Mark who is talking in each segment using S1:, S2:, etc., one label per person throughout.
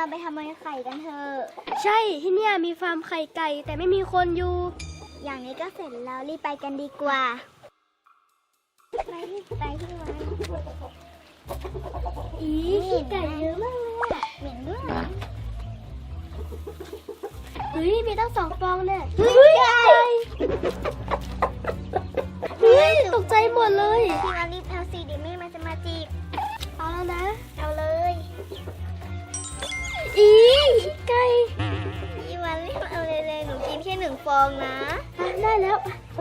S1: ไปขโมยไข่กันเถอะ
S2: ใช่ที่เนี่ยมีฟาร์มไข่ไก่แต่ไม่มีคนอยู่
S1: อย่างนี้ก็เสร็จแล้วรีบไปกันดีกว่าไปที่วัน
S2: อีขี้ไก่เยอะมากเลยอะ
S1: เหม็นด้วย
S2: เฮ้ยมีตั้ง2 ฟองเนี่ย
S1: เฮ้ยไก่
S2: เฮ้ยตกใจหมดเลย
S1: พี่วันรีบเอาสิเดี๋ยวแม่มันจะมาจีบ
S2: เอาแล้วนะ
S1: เอาเลย
S2: อีไก่
S1: พี่วันรีบเอาเลยหนูกินแค่1 ฟองนะ
S2: ได้แล้ว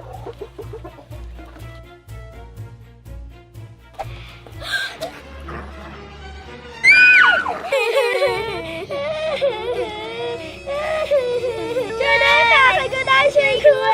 S2: ช่วยได้ค่ะใครก็ได้ช่วยด้วย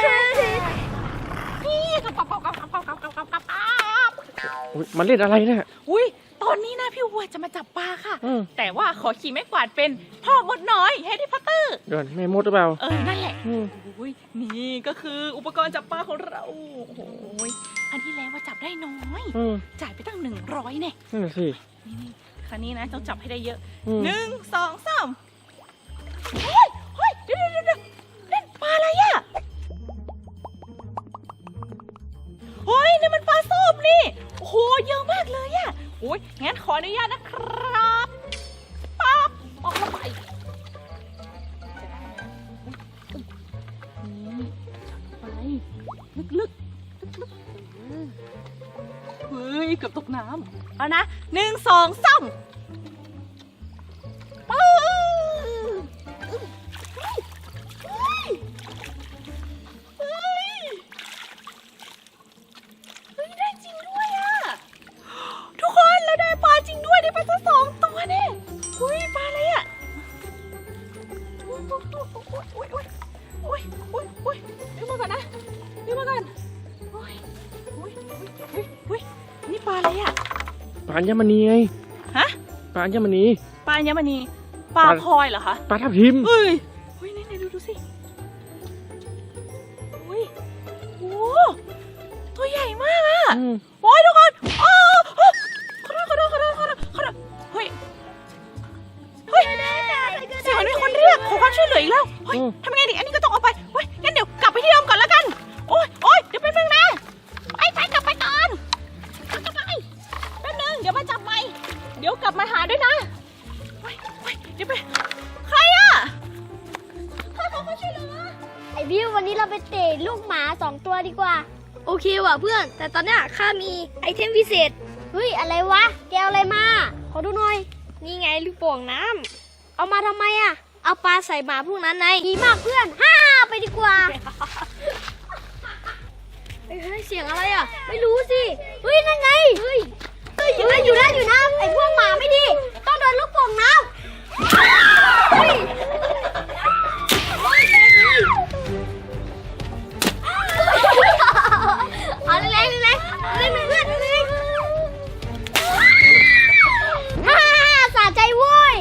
S3: มันเล่นอะไรเนี่ย
S4: อุ้ยตอนนี้นะพี่วัวจะมาจับปลาค่ะแต่ว่าขอขี่ไม้กวาดเป็นพ่อมดน้อยแฮร์รี่พอตเตอร์
S3: เดินแม่มดหรือเปล่า
S4: นั่นแหละอุ้ยนี่ก็คืออุปกรณ์จับปลาของเราโอ้ยอันที่แล้วว่าจับได้น้อยจ่ายไปตั้ง100เนี่ย
S3: นั่นสิ
S4: นี่ครั้งนี้นะต้องจับให้ได้เยอะ1 2 3เฮ้ยเดี๋ยวเล่นปลาอะไรอ่ะเฮ้ยนี่มันปลาส้มนี่โอ้โหเยอะมากเลยอ่ะโอ้ยงั้นขออนุญาตนะครับปั๊บออกมาไปไปลึกเฮ้ยเกือบตกน้ำเอานะ1 2 3ปึ๊บได้จริงด้วยอ่ะทุกคนเราได้ปลาจริงด้วยได้ปลาทั้ง2 ตัวเนี่ยอุ้ยปลาอะไรอ่ะอุ้ยดึงมาก่อนนะดึงมาก่อนอุ้ยนี่ปลาอะไรอ่ะ
S3: ปลาอัญมณีไง
S4: ฮะ
S3: ปลาอัญมณี
S4: ปลาอัญมณีปลาพลอยเหรอคะ
S3: ปลาทับทิม
S4: เฮ้ยนี่ดูสิอุ้ยโอ้ตัวใหญ่มากอ่ะโอ้ยทุกคนขอโทษเฮ้ยเสียงมีคนเรียกขอความช่วยเหลืออีกแล้วเฮ้ยทำไงดีอันนี้ก็ต้องเอาไปเฮ้ยงั้นเดี๋ยวกลับไปที่เดิมก่อนแล้วกันโอ้ยเดี๋ยวแป๊บนึงนะไปกลับไปก่อนกลับไปแป๊บนึงเดี๋ยวมาจับใหม่เดี๋ยวกลับมาหาด้วยนะเดี๋ยวไปใครอ่ะขอความช่วยเหลือ
S2: ไอวิววันนี้เราไปเตะลูกหมา2 ตัวดีกว่าโอเคว่ะเพื่อนแต่ตอนเนี้ยข้ามีไอเทมพิเศษเฮ้ยอะไรวะแกเอาอะไรมาขอดูหน่อยนี่ไงลูกโป่งน้ำเอามาทำไมอ่ะเอาปลาใส่หมาพวกนั้นไงดีมากเพื่อนไปดีกว่าเฮ้ยเสียงอะไรอ่ะไม่รู้สิเฮ้ยนั่นไงเฮ้ยอยู่นะไอพวกหมาไม่ดีต้องโดนลูกโป่งน้ำเอาเล่นเพื่อนสะใจโว้ย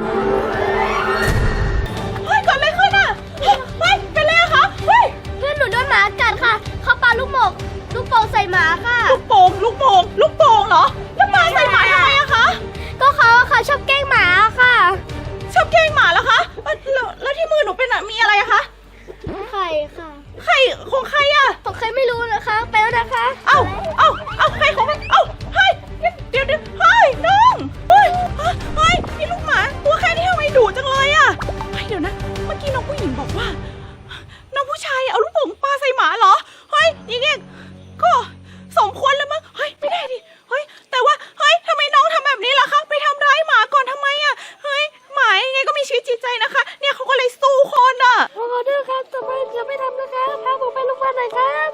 S4: เฮ้ยก่อนเลยขึ้นอ่ะเฮ้ยเป็นไรคะเฮ้ย
S2: เพื่อนหนูโดนหมากัดค่ะเขาปาลูกโป่งใส่หมาค่ะ
S4: ลูกโป่งเหรอแล้วปาใส่หมาทำไมอะคะ
S2: ก็เขาค่ะชอบแกล้งหมาค่ะ
S4: ชอบแกล้งหมาเหรอคะแล้วที่มือหนูเป็นมีอะไรอะคะ
S2: ไข่ค่ะ
S4: ไข่ของใครอะ
S2: ของใครไม่รู้นะคะไปแล้วนะคะ
S4: เอ้าไข่ของมันเฮ้ยเดี๋ยวเฮ้ยน้องเฮ้ยนี่ลูกหมาตัวแค่นี้ทำไมดุจังเลยอะเฮ้ยเดี๋ยวนะเมื่อกี้น้องผู้หญิงบอกว่าน้องผู้ชายเอาลูกโป่งปาใส่หมาเหรอเฮ้ยอย่างเงี้ยก็สมควรแล้วมั้งเฮ้ยไม่ได้ดิเฮ้ยแต่ว่าเฮ้ยทำไมน้องทำแบบนี้ล่ะคะไปทำร้ายหมาก่อนทำไมอะเฮ้ยหมายังไงก็มีชีวิตจิตใจนะคะเนี่ยเขาก็เลยสู้คนอะ
S2: ขอโทษครับต่อไปจะไม่ทำนะคะพาผมไปโรงพยาบาลหน่อยครับ